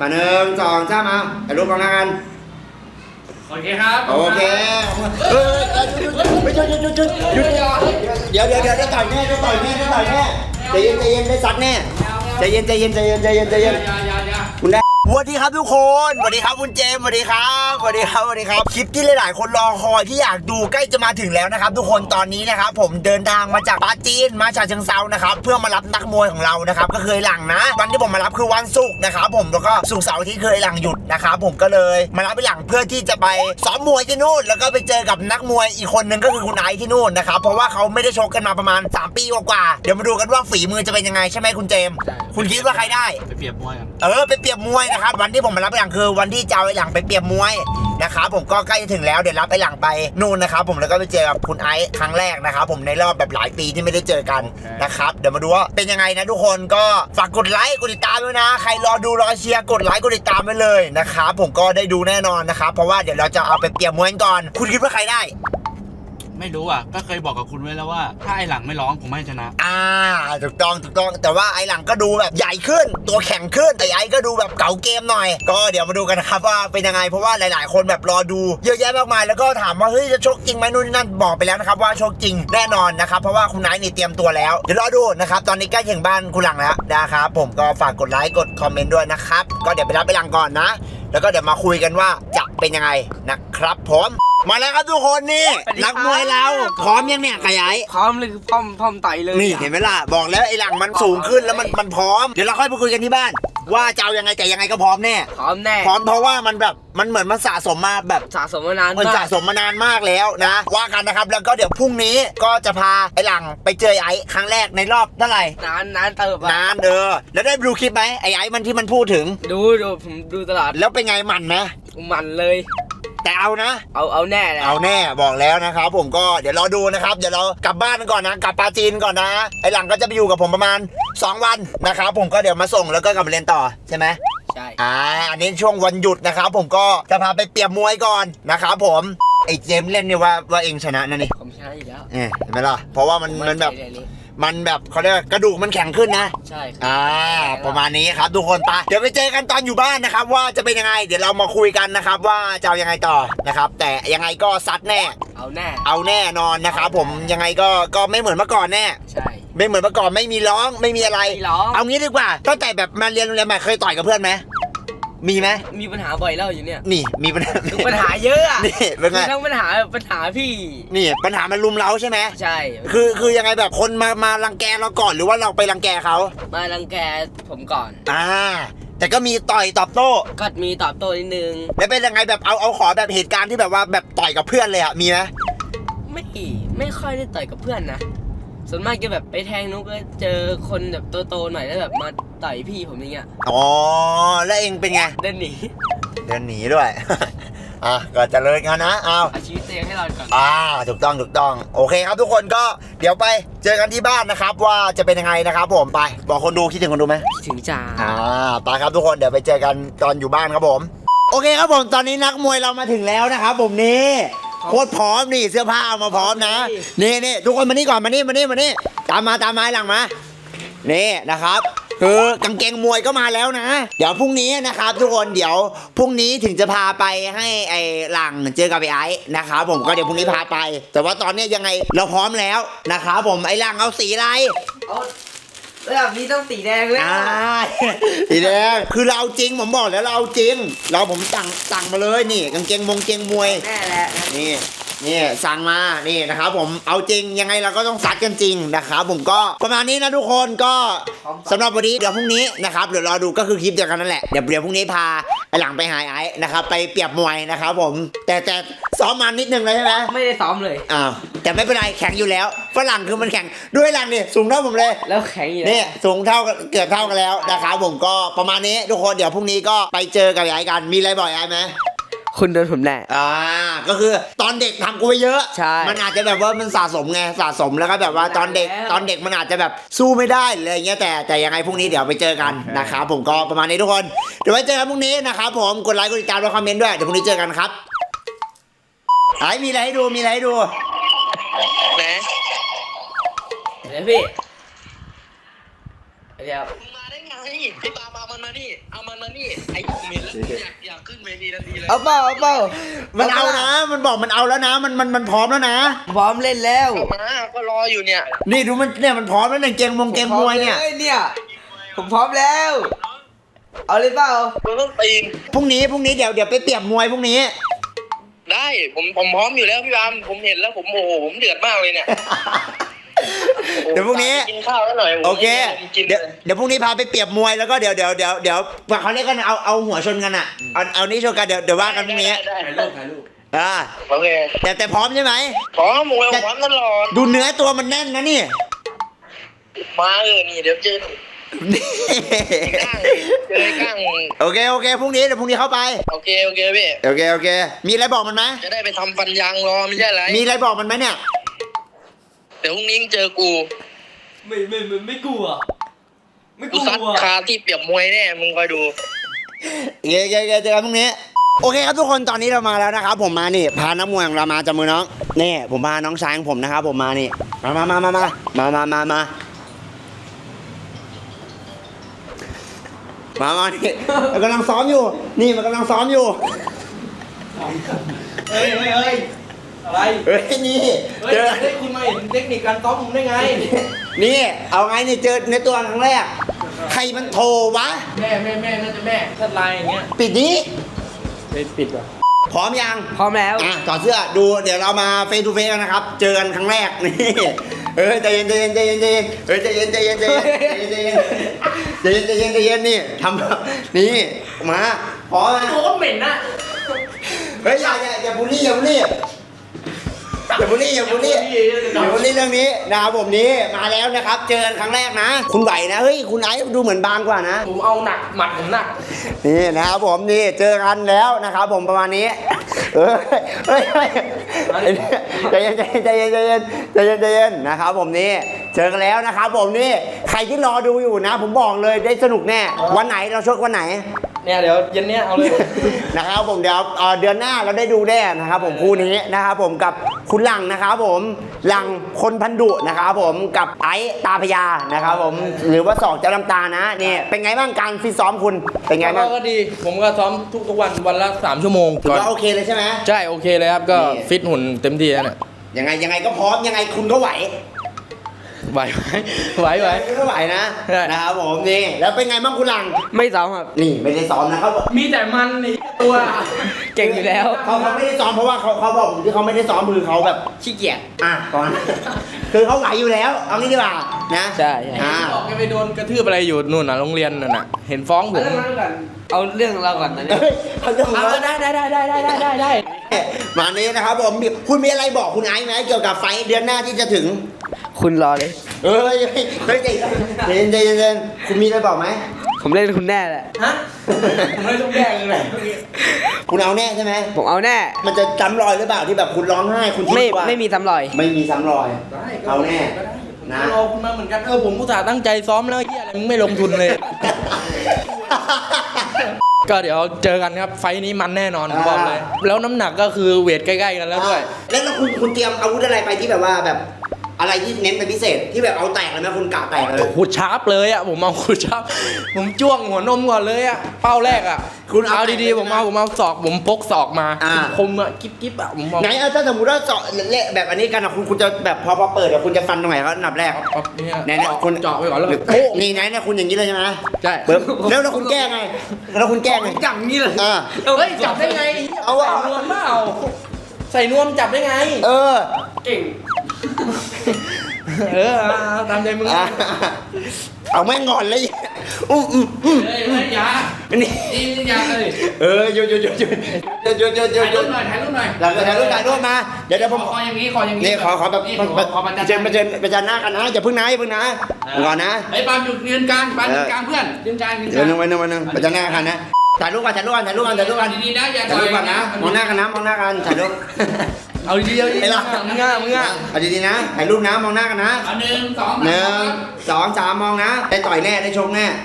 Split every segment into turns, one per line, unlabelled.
มา1 2 3มาถ่ายรูปกันแล้วกัน
โอเคครับ
โอเคหยุดเดี๋ยวต่อยแน่ใจเย็นได้ซัดแน่ใจเย็นคุณได้สวัสดีครับทุกคนสวัสดีครับคุณเจมส์สวัสดีครับคลิปที่หลายๆคนรอคอยที่อยากดูใกล้จะมาถึงแล้วนะครับทุกคนตอนนี้นะครับผมเดินทางมาจากปาจีนมาฉะเชิงเทรานะครับเพื่อมารับนักมวยของเรานะครับก็เคยหลังนะวันที่ผมมารับคือวันศุกร์นะครับผมแล้วก็ศุกร์เสาร์ที่เคยหลังหยุดนะครับผมก็เลยมารับไปหลังเพื่อที่จะไปซ้อมมวยที่นู่นแล้วก็ไปเจอกับนักมวยอีกคนนึงก็คือคุณไอซ์ที่นู่นนะครับเพราะว่าเขาไม่ได้ชกกันมาประมาณ3 ปีกว่าเดี๋ยวมาดูกันว่าฝีมือจะเป็นยังไงใช่ไหมคุณเจมส์คุณคิดว่าใครได้
ไปเปรียบมวยกัน
ไปเปรียบมวยนะครับวันที่ผมมารับไปหลังคือวันที่จะเอาไอ้หลังไปเปรียบมวยนะครับผมก็ใกล้จะถึงแล้วเดี๋ยวรับไอ้หลังไปนู่นนะครับผมแล้วก็ไปเจอกับคุณไอซ์ครั้งแรกนะครับผมในรอบแบบหลายปีที่ไม่ได้เจอกันนะครับเดี๋ยวมาดูว่าเป็นยังไงนะทุกคนก็ฝากกดไลค์กดติดตามด้วยนะใครรอดูรอเชียร์กดไลค์กดติดตามไว้เลยนะครับผมก็ได้ดูแน่นอนนะครับเพราะว่าเดี๋ยวเราจะเอาไปเปรียบมวยก่อนคุณคิดว่าใครได้
ไม่รู้อ่ะก็เคยบอกกับคุณไว้แล้วว่าถ้าไอหลังไม่ร้องผมไม่ชนะ
ถูกต้องแต่ว่าไอหลังก็ดูแบบใหญ่ขึ้นตัวแข็งขึ้นแต่ไอก็ดูแบบเก่าเกมหน่อยก็เดี๋ยวมาดูกันนะครับว่าเป็นยังไงเพราะว่าหลายๆคนแบบรอดูเยอะแยะมากมายแล้วก็ถามว่าเฮ้ยจะชกจริงไหมนู่นนั่นบอกไปแล้วนะครับว่าชกจริงแน่นอนนะครับเพราะว่าคุณนายนี่เตรียมตัวแล้วเดี๋ยวรอดูนะครับตอนนี้ใกล้ถึงบ้านคุณหลังแล้วนะครับผมก็ฝากกดไลค์กดคอมเมนต์ด้วยนะครับก็เดี๋ยวไปรับไปหลังก่อนนะแล้วก็เดี๋ยวมาคุยกันว่าจะเป็นยังไงนะครับผมมาแล้วครับทุกคนนี่นักมวยเราพร้อมยังเนี่ยขยาย
พร้อมเลยคือพร้อมไต่เลย
นี่เห็นไหมล่ะบอกแล้วไอ้หลังมันสูงขึ้นแล้วมันพร้อมเดี๋ยวเราค่อยไปคุยกันที่บ้านว่าจะเอายังไงแต่ยังไงก็พร้อมแน่
พร้อม
เพราะว่ามันแบบมันเหมือนมันสะสมมาแบบ
สะสมมานาน
มันสะสมมานานมากแล้วนะว่ากันนะครับแล้วก็เดี๋ยวพรุ่งนี้ก็จะพาไอ้หลังไปเจอไอ้ครั้งแรกในรอบเท่าไหร่
นานเติบ
นานแล้วได้ดูคลิปไหมไอ้มันที่มันพูดถึง
ดูผมดูตลอด
แล้วเป็นไงมันไหม
มันเลย
แต่เอานะ
เอาแน่
เอาแน่บอกแล้วนะครับผมก็เดี๋ยวรอดูนะครับเดี๋ยวเรากลับบ้านก่อนนะกลับปาจีนก่อนนะไอ้หลังก็จะไปอยู่กับผมประมาณ2 วันนะครับผมก็เดี๋ยวมาส่งแล้วก็กลับมาเรียนต่อใช่ไหม
ใช่
อันนี้ช่วงวันหยุดนะครับผมก็จะพาไปเปรียบมวยก่อนนะครับผมไอ้เจมเล่นเนี่ยว่าเองชนะนะนี่
ผมชนะอยู่แล้ว
เห็นไหมล่ะเพราะว่ามันแบบเขาเรียกกระดูกมันแข็งขึ้นนะ
ใช่
ประมาณนี้ครับทุกคนไปเดี๋ยวไปเจอกันตอนอยู่บ้านนะครับว่าจะเป็นยังไงเดี๋ยวเรามาคุยกันนะครับว่าจะเอายังไงต่อนะครับแต่ยังไงก็ซัดแน่เอาแน่นอนนะครับผมยังไงก็ไม่เหมือนเมื่อก่อนแน่
ใช่
ไม่เหมือนเมื่อก่อนไม่มีร้องไม่มีอะไรเอางี้ดีกว่าตั้งแต่แบบมาเรียนโรงเรียนใหม่เคยต่อยกับเพื่อนไหมมีไหม
มีปัญหาบ่อยแล้วอยู่เนี่ย
นี่มีปัญ
หาเยอะอ่ะ
นี่เป็นไง
ทั้งปัญหาพี่
นี่ปัญหามันรุมเร้าใช่ไหม
ใช่
คือยังไงแบบคนมารังแกเราก่อนหรือว่าเราไปรังแกเขา
มารังแกผมก่อน
แต่ก็มีต่อยตอบโต้
ก็มีตอบโต้นิดนึง
แล้วเป็นยังไงแบบเอาขอแบบเหตุการณ์ที่แบบว่าแบบต่อยกับเพื่อนเลยอ่ะมีไหม
ไม่ค่อยได้ต่อยกับเพื่อนนะส่วนมากจะแบบไปแทงนุกก็เจอคนแบบโตๆหน่อยแล้วแบบมาต่อยพี่ผมอย่างเงี้ย
แล้วเองเป็นไง
เดินห
นีด้วยก็จะเลยกันนะเอา
ชีวิตเองให้เราก่อน
ถูกต้องโอเคครับทุกคนก็เดี๋ยวไปเจอกันที่บ้านนะครับว่าจะเป็นยังไงนะครับผมไปบอกคนดูคิดถึงคนดูไหม
ถึงจ้า
ไปครับทุกคนเดี๋ยวไปเจอกันตอนอยู่บ้านครับผมโอเคครับผมตอนนี้นักมวยเรามาถึงแล้วนะครับผมนี่โคตรพร้อมนี่เสื้อผ้าเอามาพร้อมนะนี่ทุกคนมานี่ก่อนมานี่ตามมาหลังมานี่นะครับคือกางเกงมวยก็มาแล้วนะเดี๋ยวพรุ่งนี้นะครับทุกคนเดี๋ยวพรุ่งนี้ถึงจะพาไปให้ไอ้หลังเจอกับไอ้ไอ้นะครับผมก็เดี๋ยวพรุ่งนี้พาไปแต่ว่าตอนนี้ยังไงเราพร้อมแล้วนะครับผมไอ้หลังเอาสีอะไร
แบบนี้ต้องสีแดงเลย
สีแดงคือเราจริงผมบอกแล้วเราจริงผมสั่งมาเลยนี่กางเกงมวย
แน่แหละ
นี่สั่งมานี่นะครับผมเอาจริงยังไงเราก็ต้องซัดกันจริงนะครับผมก็ประมาณนี้นะทุกคนก็สำหรับวันนี้เดี๋ยวพรุ่งนี้นะครับเดี๋ยวรอดูก็คือคลิปเดียวกันนั่นแหละเดี๋ยวพรุ่งนี้พาไอ้หลังไปหาไอ้นะครับไปเปรียบมวยนะครับผมแต่ซ้อมมานิดนึงเลยใช่ไหม
ไม่ได้ซ้อมเลย
แต่ไม่เป็นไรแข็งอยู่แล้วฝรั่งคือมันแข็งด้วยหลังนี่สูงเท่าผมเลย
แล้วแข็งอยู่
นี่สูงเท่าเกือบเท่ากันแล้วนะครับผมก็ประมาณนี้ทุกคนเดี๋ยวพรุ่งนี้ก็ไปเจอกับไอ้กันมีอะไรบอกไอ้ไหม
คุณโดนผมแน่
ก็คือตอนเด็กทำกูไปเยอะ
ใช่
มันอาจจะแบบว่ามันสะสมแล้วก็แบบว่าตอนเด็กมันอาจจะแบบสู้ไม่ได้อะไรเงี้ยแต่ยังไงพรุ่งนี้เดี๋ยวไปเจอกันนะครับผมก็ประมาณนี้ทุกคนเดี๋ยวไว้เจอกันพรุ่งนี้นะครับผมกดไลค์กดติดตามและคอมเมนต์ด้วยเดี๋ยวพรุ่งนี้เจอกันครับมีอะไรให้ดู
ไหนเดี๋ยวพี่
มาได้ไงพี่ตามมามานี่ไอ้เมนแล้วอยากขึ้นเวทีทันทีเลย
เอาเปล่า
มันเอานะ มันบอกมันเอาแล้วนะ มันพร้อมแล้วนะ
พร้อมเล่นแล้ว
เอามาก็รออยู่เนี่ย
นี่ดูมันเนี่ยมันพร้อมแล้วเนี่ยเกมมวยเนี่ย
เนี่ยผมพร้อมแล้ว เอาเลยเปล่า
มันต้องตีน
พรุ่งนี้เดี๋ยวไปเปรียบมวยพรุ่งนี้
ได้ผมพร้อมอยู่แล้วพี่บามผมเห็นแล้วผมโอ้โหผมเดือดมากเลยเนี่ย
เดี๋ยวพรุ่งนี้
กินข้าวแล้วหน่อย
โอเค
กิน
เดี๋ยวพรุ่งนี้พาไปเปรียบมวยแล้วก็เดี๋ยวเขาเรียกกันเอาหัวชนกันอ่ะเอานี้ชนกันเดี๋ยวว่ากันพรุ่งนี้
ได้
ถ่ายรูป
โอเค
แต่พร้อมใช่ไหม
พร้อมมวยพร้อมตลอด
ดูเนื้อตัวมันแน่นนะนี่
มานี่เดี๋ยวเจอก้าง
โอเคพรุ่งนี้เดี๋ยวพรุ่งนี้เข้าไป
โอเคพี่
โอเคมีอะไรบอกมันไหม
จะได้ไปทำฟันยางรอไม่ใช่ไร
มีอะไรบอกมันไหมเนี่ย
เดี๋ยวพรุ่งนี้เจอกู
ไม่กลัว
กูซัดคาที่เปรียบมวยแน่มึงคอยดู
โอเคเจอกันพรุ่งนี้โอเคครับทุกคนตอนนี้เรามาแล้วนะครับผมมานี่พานักมวยของเรามาจับมือน้องนี่ผมพาน้องชายของผมนะครับผมมานี่มานี่มันกำลังซ้อมอยู่นี่มันกำลังซ้อมอยู่
เฮ้ยอะไร
เฮ้ยนี่
เฮ้ย
เจอ
ได้คุณมาเห็นเทคนิคการซ้อมผมได้ไง
นี่เอาไงเนี่ยเจอในตัวครั้งแรกใครมันโทรวะ
แม่น่าจะแม่ถ้าไลน์อย่างเงี้ย
ปิดนี้
ปิดว่ะ
พร้อมยัง
พร้อมแล้ว
ถอดเสื้อดูเดี๋ยวเรามาเฟซทูเฟซกันนะครับเจอกันครั้งแรกนี่ใจเย็นนี่ทำนี่มาพร้อมนะ
โคตรเหม็นนะ
เฮ้ยอย่าบูลลี่เรื่องนี้นะครับผมนี้มาแล้วนะครับเจอกันครั้งแรกนะคุณไหวนะเฮ้ยคุณไอซ์ดูเหมือนบางกว่านะ
ผมเอาหนักหมัดผมหนัก
นี่นะครับผมนี่เจอกันแล้วนะครับผมประมาณนี้เฮ้ยใจเย็นนะครับผมนี่เจอกันแล้วนะครับผมนี่ใครที่รอดูอยู่นะ ผมบอกเลยได้สนุกแน่วันไหนเราชกวันไหน
เนี่ยเดี๋ยวเย็นเนี้ยเอาเลย
นะครับผมเดี๋ยวเดือนหน้าเราได้ดูแน่นะครับผมคู่นี้นะครับผมกับคุณหลังนะครับผมหลังคนพันดุนะครับผมกับไอ้ตาพยานะครับผมหรือว่าสองเจ้าลำตานะนี่เป็นไงบ้างการฟิตซ้อมคุณเป็นไงบ้าง
ก็ดีผมก็ซ้อมทุกวันละ3 ชั่วโมง
ถือว่าโอเคเลยใช่ไหม
ใช่โอเคเลยครับก็ฟิตหุ่นเต็มที่แล้วเนี่ย
ยังไงก็พร้อมยังไงคุณก็ไหว
ไหว
ก็ไหวนะ
ใช่
นะครับผมนี่แล้วเป็นไงบ้างคุณหลัง
ไม่ซ้อมครับ
นี่ไม่ได้ซ้อมนะครับ
มีแต่มันนี่ตัว
เก่งอยู่แล้ว
เขาไม่ได้ซ้อมเพราะว่าเขาบอกผมที่เขาไม่ได้ซ้อมคือเขาแบบ
ขี้เกียจ
ก่อน คือเขาไหวอยู่แล้วเอางี้ดีกว่านะ
ใช่
บอกแกไปโดนกระทืบอะไรอยู่นู่นน่ะโรงเรียนนั่นน่ะเห็นฟ้องผม
เอาเรื่องเราก่อนนะเนี่ย
เฮ้ยเขาจะมา
ได้
มานี้นะครับผมคุณมีอะไรบอกคุณไอซ์ไหมเกี่ยวกับไฟท์เดือนหน้าที่จะถึง
คุณรอเลย
เฮ้ยใจเย็นคุณมีอะไรบอกไหม
ผมเล่นคุณแน่แหละ
ฮะไม่ต้องแย่งเลย
คุณเอาแน่ใช่ไหม
ผมเอาแน่
มันจะซ้ำรอยหรือเปล่าที่แบบคุณร้องไห้คุณทิ้งตัว
ไม่มีซ้ำรอย
ไม่มีซ้ำรอย เอาแน่
นะรอคุณมาเหมือนกันผมอุตส่าห์ตั้งใจซ้อมแล้วเฮียอะไรมึงไม่ลงทุนเลย ก็เดี๋ยวเจอกันครับไฟท์นี้มันแน่นอนผมบอกเลยแล้วน้ำหนักก็คือเวทใกล้ๆกันแล้วด้วย
แล้วคุณเตรียมอาวุธอะไรไปที่แบบว่าแบบอะไรที่เน้นเป็นพิเศษที่แบบเอาแตกเลยไหมคุณกะแตกเลย
ขุดชาร์ปเลยอ่ะผมเอาขุดชาร์ปผมจ้วงหัวนมก่อนเลยอ่ะเป้าแรกอ่ะ
คุณเอา
เอาดีๆผมเอาศอกผมพกศอกมา คมอ่ะกิ๊บอ่ะผมมอง
ไหนถ้าสมมติว่าเจาะเละแบบอันนี้กันอะคุณจะแบบพอเปิดเดี๋ยวคุณจะฟันตรงไหนเขาอันดับแรก
เนี่ยคุณเจาะไปก่อนแล้วก็
นี่ไหนเนี่ยคุณอย่างนี้เลยใช่ไหม
ใช่
แล้วคุณแก้ไงแล้วคุณแก้ไง
จับงี้เลย
เฮ้ย
จับได้ไง
เอา
ใส่นวมเปล่าใส่นวมจับได้ไง เก่งตามใจมึง
เอาแม่งก่อนเลย
เฮ้ยอย่านี่อย่าเลย
หยุดถ่ายรูปหน่อยถ่ายรูปมาเดี๋ยวผม
ขออย่างนี้
นี่ขอแบบเจนหน้ากันนะอย่าพึ่งนะก่อนนะ
ไอ้ปาล์มอยู่ยืนกลางเพื่อนยืนกลาง
เดี๋ยวนึงประจันหน้ากันนะถ่ายรูปกัน
ดีๆนะอย่า
ถ่ายรูปกันนะมองหน้ากันถ่ายรูป
เอาดีๆมึงอ่ะ
เอาดีๆนะถ่ายรูปนะมองหน้ากันนะ
เอา1 2
3มองนะได้ต่อยแน่ได้ชกแน่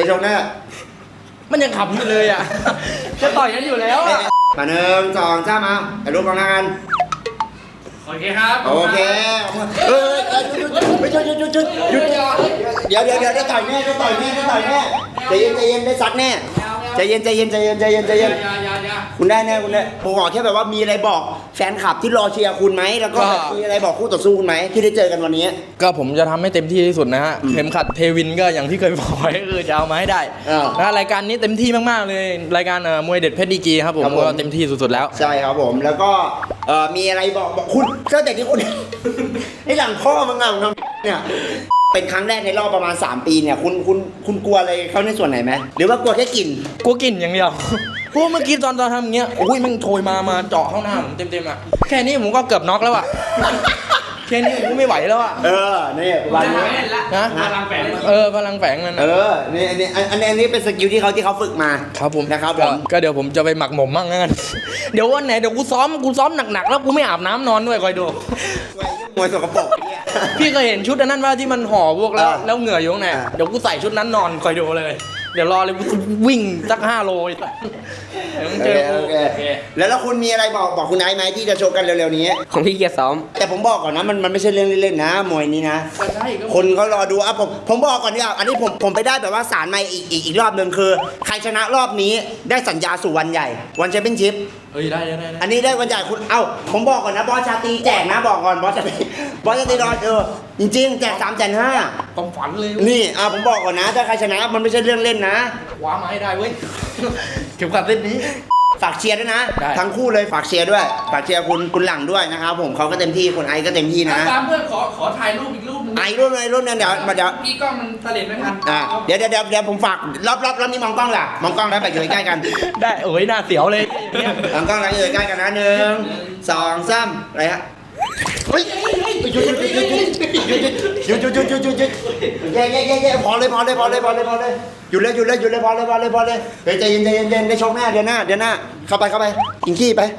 มันยังขับอยู่เลยอ่ะจะต่อยกันอยู่แล้วอ่ะ
มา1 2 3มาถ่ายรูปมองหน้ากัน
โอเคครับ
โอเคหยุดเดี๋ยวได้ต่อยแน่ได้ต่อยแน่ใจเย็นได้ซัดแน่ใจเย็นคุณได้แน่คุณได้ผมขอแค่แบบว่ามีอะไรบอกแฟนคลับที่รอเชียร์คุณไหมแล้วก็มีอะไรบอกคู่ต่อสู้คุณไหมที่ได้เจอกันวันนี้
ก็ผมจะทำให้เต็มที่ที่สุดนะฮะเข็มขัดเทวินก็อย่างที่เคยบอกไว้คือจะเอามาให้ได้นะรายการนี้เต็มที่มากๆเลยรายการมวยเด็ดเพชรดีกรีครับผมก็เต็มที่สุดๆแล้ว
ใช่ครับผมแล้วก็มีอะไรบอกคุณก็แต่ที่คุณ ไอ้หลังพ่อมึงอ่ะมึงทำเนี่ยเป็นครั้งแรกในรอบประมาณ3 ปีเนี่ยคุณกลัวอะไรเขาในส่วนไหนไหมหรือว่ากลัวแค่กลิ่น
กลัวกลิ่นอย่างเดียวเพราะเมื่อกี้ตอนทำอย่างเงี้ยโอ้ยมันโชยมาเจาะเข้าหน้าผมเต็มๆอ่ะแค่นี้ผมก็เกือบน็อกแล้วอ่ะแค่นี้ผมก็ไม่ไหวแล้วอ่ะ
นี่วันนี้
นะพลังแฝงพลังแฝงมัน
นี่อันนี้เป็นสกิลที่เขาฝึกมา
ครับผม
นะครับ
ก็เดี๋ยวผมจะไปหมักหมมมั่งงั้นเดี๋ยววันไหนเดี๋ยวกูซ้อมหนักๆแล้วกูไม่อาบน้ำนอนด้วยคอยดู
มวยสกปรกเนี่ย
พี่เคยเห็นชุดอันนั้นว่าที่มันห่อพวกแล้วเหงื่ออยู่ข้างในเดี๋ยวกูใส่ชุดนั้นนอนคอยดูเลยเดี๋ยวรอเลยวิ่งสัก5 โลเดี๋ยวมึงเจอกู
แล้วคุณมีอะไรบอกคุณไอซ์ไหมที่จะโชว์กันเร็วๆนี้
ของพี่เกียร์ซ้อม
แต่ผมบอกก่อนนะมันไม่ใช่เรื่องเล่นๆนะมวยนี้นะคนเขารอดูอ่ะผมบอกก่อนเนี่ยอันนี้ผมไปได้แบบว่าสารมาอีกรอบนึงคือใครชนะรอบนี้ได้สัญญาสู่วันใหญ่วันแชมเปี้ยนชิพ
ได้
อันนี้ได้วันใหญ่คุณผมบอกก่อนนะบอสชาตรีแจกนะบอกก่อนบอสชาตรีรอจริงๆแจก350,000
ความฝันเลย
นี่ผมบอกก่อนนะถ้าใครชนะมันไม่ใช่เรื่องเล่นนะ
คว้ามาให้ได้เว้ยเข็มขัดเส้นนี้
ฝากเชียร์ด้วยนะทั้งคู่เลยฝากเชียร์ด้วยฝากเชียร์คุณหลังด้วยนะครับผมเขาก็เต็มที่คุณไอก็เต็มที่นะ
ตามเพื่อนขอถ่ายรูปอีกรูปนึง
รูปนึงเดี๋ยว
พี่กล้องมันเสลดไม่ทัน
เดี๋ยวผมฝากรอบนี้มองกล้องล่ะมองกล้องแล้วไปอยู่ใกล้กัน
ได้หน้าเสียวเลย
มองกล้องแล้วอยู่ใกล้กันนะ1 2 3อะไรฮะเฮ้ยหยุดพอเลยหยุดเลยพอเลยใจเย็นได้ชกหน้าเดือนหน้าเข้าไปกินขี้ไป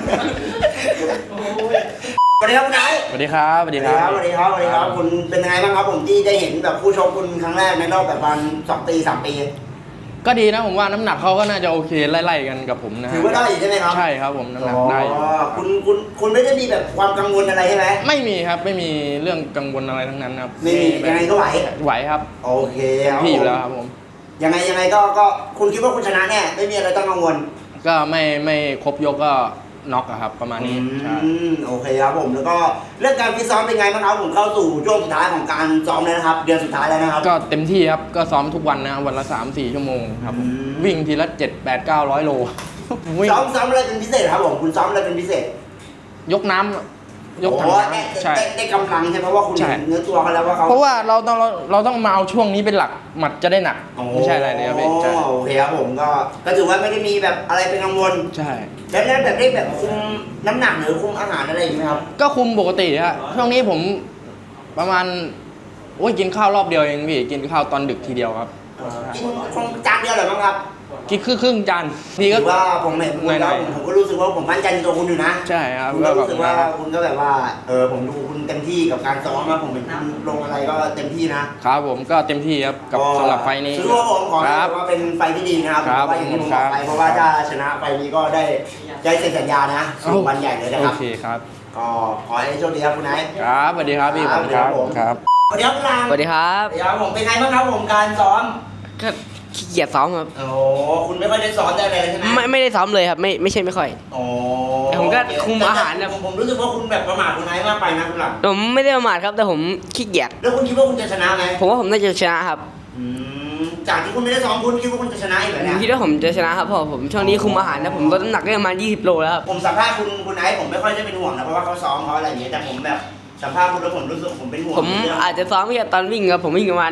สวัสดีครับคุณไอซ์
สวัสดีครับ
คุณเป็นยังไงบ้างครับผมที่ได้เห็นแบบผู้ชมคุณครั้งแรกในรอบแบบประมาณ2 ปี 3 ปี
ก็ดีนะผมว่าน้ำหนักเขาก็น่าจะโอเคไล่ๆกันกับผมนะ
ถือว่าได้ใช่ไหมครับ
ใช่ครับผมน้ำหนักได้
คุณไม่ได้มีแบบความกังวลอะไรใช่ไหม
ไม่มีครับไม่มีเรื่องกังวลอะไรทั้งนั้นครับ
ไม่มียังไงก็ไหว
ครับ
โอเค
พี่อยู่แล้วครับผม
ยังไงก็คุณคิดว่าคุณชนะแน่ไม่มีอะไรต้องกังวล
ก็ไม่ครบยกก็น็อกครับประมาณนี้
โอเคครับผมแล้วก็เรื่องการฟิตซ้อมเป็นไงบ้างครับผมเข้าสู่ช่วงสุดท้ายของการซ้อมแล้วนะครับเดือนสุดท้ายแล้วนะครับ
ก็เต็มที่ครับก็ซ้อมทุกวันนะวันละ 3-4 ชั่วโมงครับวิ่งทีละ7-8-900 โล
ซ้อมอะไรเป็นพิเศษครับผมคุณซ้อมอะไรเป็นพิเศษ
ยกถัง
ใช่ได้กำลังใช่เพราะว่าคุณเนื้อตัวเขาแล้วว่าเขา
เพราะว่าเราต้องมาเอาช่วงนี้เป็นหลักหมัดจะได้หนักไม่ใช่อะไรเลยครับพี่
โอเคครับผมก็ถือว่าไม่ได้มีแบบอะไรเป็นกังวล
ใช่
แล้วแบบได้แบบคุมน้ำหนักหรือคุมอาหารอะไรอย่างเงี้ยครับ
ก็คุมปกติฮะช่วงนี้ผมประมาณกินข้าวรอบเดียวเองพี่กินข้าวตอนดึกทีเดียวครับ
กินจานเดียวเหรอบ้างครับ
กินครึ่งจานนี่ก็
ว่าผมเห็นคุณแล้วผมก็รู้สึกว่าผมมั่นใจในตัวคุณอยู่นะ
ใช่ครับ
ก็รู้สึกว่าคุณก็แบบว่าผมดูคุณเต็มที่กับการซ้อมนะผมเป็นลงอะไรก็เต็มที่นะครับ
ผมก็เต็มที่ครับกับสำหรับไฟนี้
ถือว่าผมขอว่าเป็นไฟที่ดีนะครับว่าอย่างที่ผมบอกไปเพราะว่าถ้าชนะไฟนี้ก็ได้เซ็นสัญญานะสู่วันใหญ่เลยนะครับ
โอเคครับ
ก็ขอให้โชคดีครับคุณไนท์
ครับสวัสดีครับพี่ผมครับ
สวัสดีครับคุณลาม
สวัสดีครับ
ผมเป็นไงบ้างครับผมการซ้อม
ก็ขี้เกียจซ้อมครับ
คุณไม่ค่อยได้ซ้อมได้เลยใช่ไหม
ไม่ได้ซ้อมเลยครับไม่ใช่ไม่ค่อยแต่ผมก็คุมอาหารนะ
ผมรู้สึกว่าคุณแบบประมาทคุณไนท์มากไปนะคุณหลัง
ผมไม่ได้ประมาทครับแต่ผมขี้เกียจ
แล้วคุณคิดว่าคุณจะชนะไหม
ผมว่าผมน่าจะชนะครับ
จากที่คุณไม่ได้ซ้อมคุณคิดว่าคุณจะชนะอีกเหรอเนี่ย
ผมคิดว่าผมจะชนะครับเพราะผมช่วงนี้คุมอาหารนะผมลดน้ำหนักได้ประมาณ20 โลแล้วครับ
ผมสัมภาษณ์คุณไนท์ผมไม่ค่อยได้เป็นห่วงนะเพราะว่าเขาซ้อมเขาอะไรอย่างเงี้ยแต่ผมแบบสัมภาษณ์คุณแล้วผมรู้สึกผมเป็นห่วง
ผมอาจจะซ้อมแค่ตอนวิ่งครับผมวิ่งประมาณ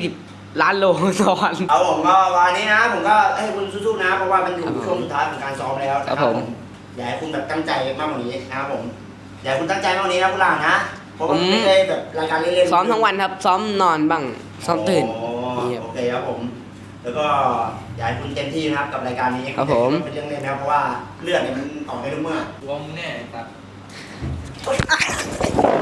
20 ล้านโลต่อวัน
ผมก็วันนี้นะผมก็ให้คุณสู้ๆนะเพราะว่ามันอยู่ช่วงสุดท้ายของการซ้อมแล้ว
ครับผม
อยากให้คุณแบบตั้งใจมากกว่านี้นะครับผมอยากให้คุณตั้งใจมากกว่านี้นะคุณหลานนะเพราะว่าไม่ได้แบบรายการเล่น
ๆซ้อมทั้งวันครับซ้อมนอนบ้างซ้อมตื่น
โอเคครับผมแล้วก็อยากให้คุณเต็มที่นะครับกับรายการนี้
ครับผม
เป็นเรื่องเล่นนะเพราะว่าเลือดเนี่ยมันออกได้ทุกเมื่อ
วงแน่ครับ